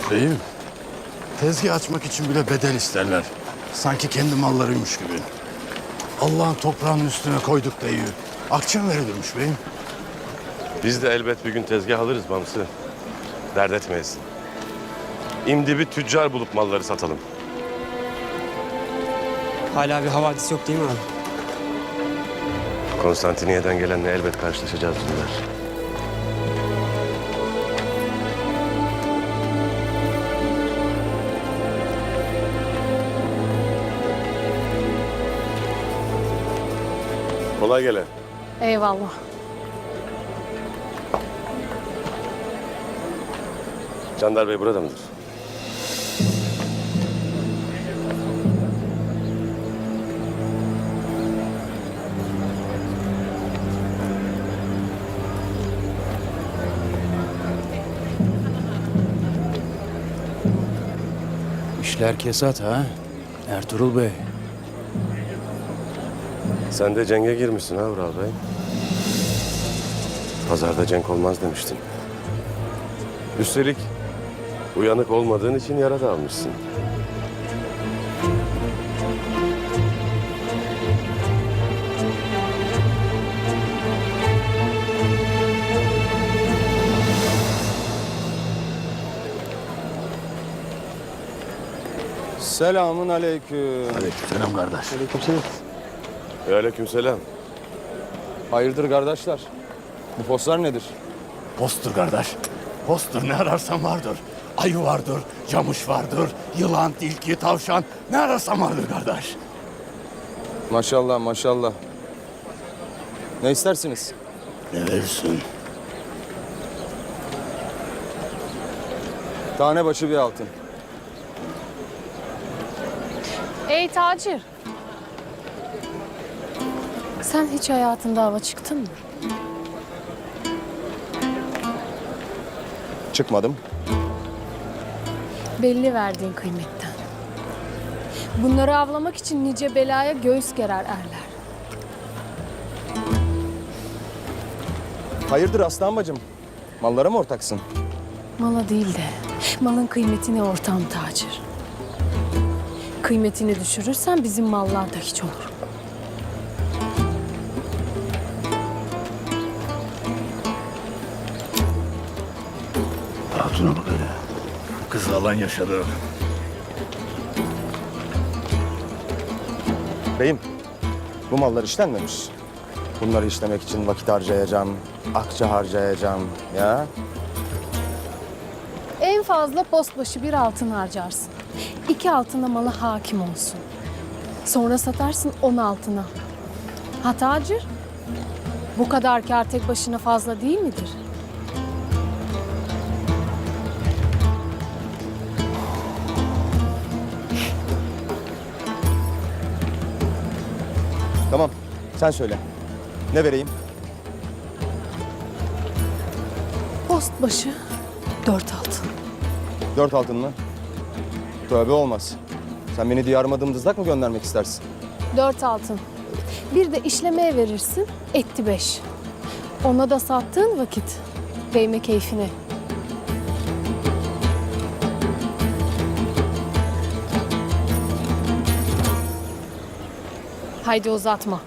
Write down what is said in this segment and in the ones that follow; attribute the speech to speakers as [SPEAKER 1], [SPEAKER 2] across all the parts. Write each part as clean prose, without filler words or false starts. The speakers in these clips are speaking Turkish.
[SPEAKER 1] Beyim, tezgah açmak için bile bedel isterler. Sanki kendi mallarıymış gibi. Allah'ın toprağının üstüne koyduk deyiyor. Akçem verilirmiş beyim.
[SPEAKER 2] Biz de elbet bir gün tezgah alırız Bamsı. Dert etmeyiz. İmdi bir tüccar bulup malları satalım.
[SPEAKER 3] Hala bir havadis yok değil mi abi?
[SPEAKER 2] Konstantiniye'den gelenle elbet karşılaşacağız Dündar. Kolay gele.
[SPEAKER 4] Eyvallah.
[SPEAKER 2] Candar Bey burada mıdır?
[SPEAKER 1] İşler kesat ha, Ertuğrul Bey.
[SPEAKER 2] Sen de cenge girmişsin ha Vural Bey. Pazarda cenk olmaz demiştin. Üstelik uyanık olmadığın için yara da almışsın.
[SPEAKER 5] Selamun aleyküm.
[SPEAKER 1] Aleykümselam kardeş.
[SPEAKER 2] Aleykümselam.
[SPEAKER 5] Hayırdır kardeşler? Bu postlar nedir?
[SPEAKER 1] Posttur kardeş. Posttur, ne ararsan vardır. Ayı vardır, camış vardır, yılan, tilki, tavşan. Ne ararsan vardır kardeş.
[SPEAKER 5] Maşallah maşallah. Ne istersiniz?
[SPEAKER 1] Ne verirsin?
[SPEAKER 5] Tane başı bir altın.
[SPEAKER 4] Ey tacir. Sen hiç hayatında hava çıktın mı?
[SPEAKER 5] Çıkmadım.
[SPEAKER 4] Belli verdiğin kıymetten. Bunları avlamak için nice belaya göğüs gerer erler.
[SPEAKER 5] Hayırdır aslan bacım? Mallara mı ortaksın?
[SPEAKER 4] Mala değil de malın kıymetine ortağım tacir. Kıymetini düşürürsen bizim mallar da hiç olur.
[SPEAKER 1] Hatuna bak hele. Kız alan yaşadı.
[SPEAKER 5] Beyim, bu mallar işlenmemiş. Bunları işlemek için vakit harcayacağım, akçe harcayacağım ya.
[SPEAKER 4] En fazla post başı bir altın harcarsın. 2 altına mala hakim olsun. Sonra satarsın 10 altına. Ha tacir? Bu kadar kâr tek başına fazla değil midir?
[SPEAKER 5] Tamam, sen söyle. Ne vereyim?
[SPEAKER 4] Post başı 4 altın.
[SPEAKER 5] 4 altın mı? Tövbe olmaz. Sen beni diyarıma dımdızlak mı göndermek istersin?
[SPEAKER 4] 4 altın. Bir de işlemeye verirsin, etti 5. Ona da sattığın vakit değme keyfine. Haydi uzatma.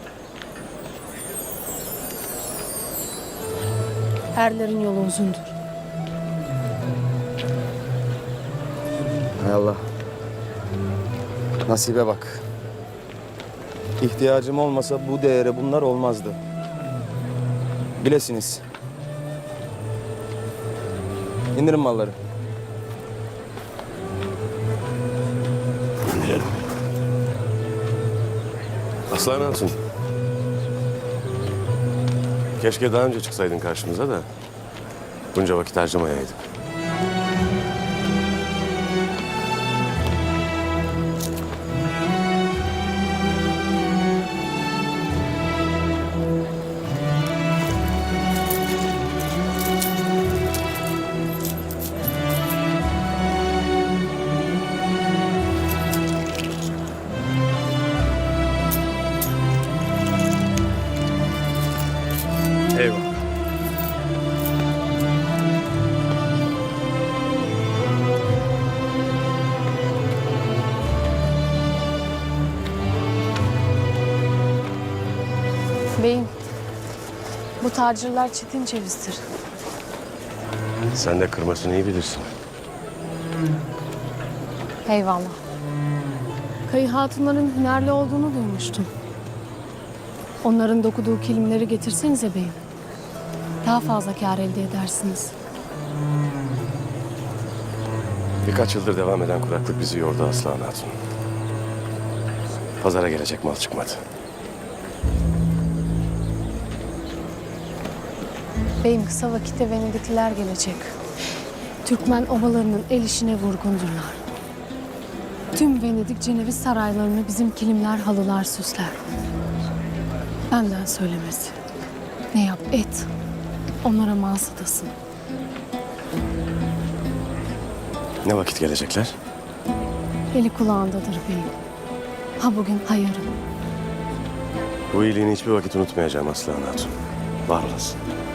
[SPEAKER 4] Erlerin yolu uzundur.
[SPEAKER 5] Hay Allah. Nasibe bak. İhtiyacım olmasa bu değere bunlar olmazdı. Bilesiniz. İndirin malları.
[SPEAKER 2] Aslan Hatun. Keşke daha önce çıksaydın karşımıza da bunca vakit harcamayaydık.
[SPEAKER 1] Eyvallah.
[SPEAKER 4] Tacirler çetin cevizdir.
[SPEAKER 2] Sen de kırmasını iyi bilirsin.
[SPEAKER 4] Eyvallah. Kayı hatunların hünerli olduğunu duymuştum. Onların dokuduğu kilimleri getirsenize beyim. Daha fazla kâr elde edersiniz.
[SPEAKER 2] Birkaç yıldır devam eden kuraklık bizi yordu Aslan Hatun. Pazara gelecek mal çıkmadı.
[SPEAKER 4] Beyim kısa vakitte Venedikliler gelecek. Türkmen obalarının el işine vurgundurlar. Tüm Venedik Ceneviz saraylarını bizim kilimler, halılar süsler. Benden söylemesi. Ne yap et. Onlara mal satasın.
[SPEAKER 2] Ne vakit gelecekler?
[SPEAKER 4] Eli kulağındadır beyim. Ha bugün ha yarın.
[SPEAKER 2] Bu iyiliğini hiçbir vakit unutmayacağım Aslan Hatun. Var olasın.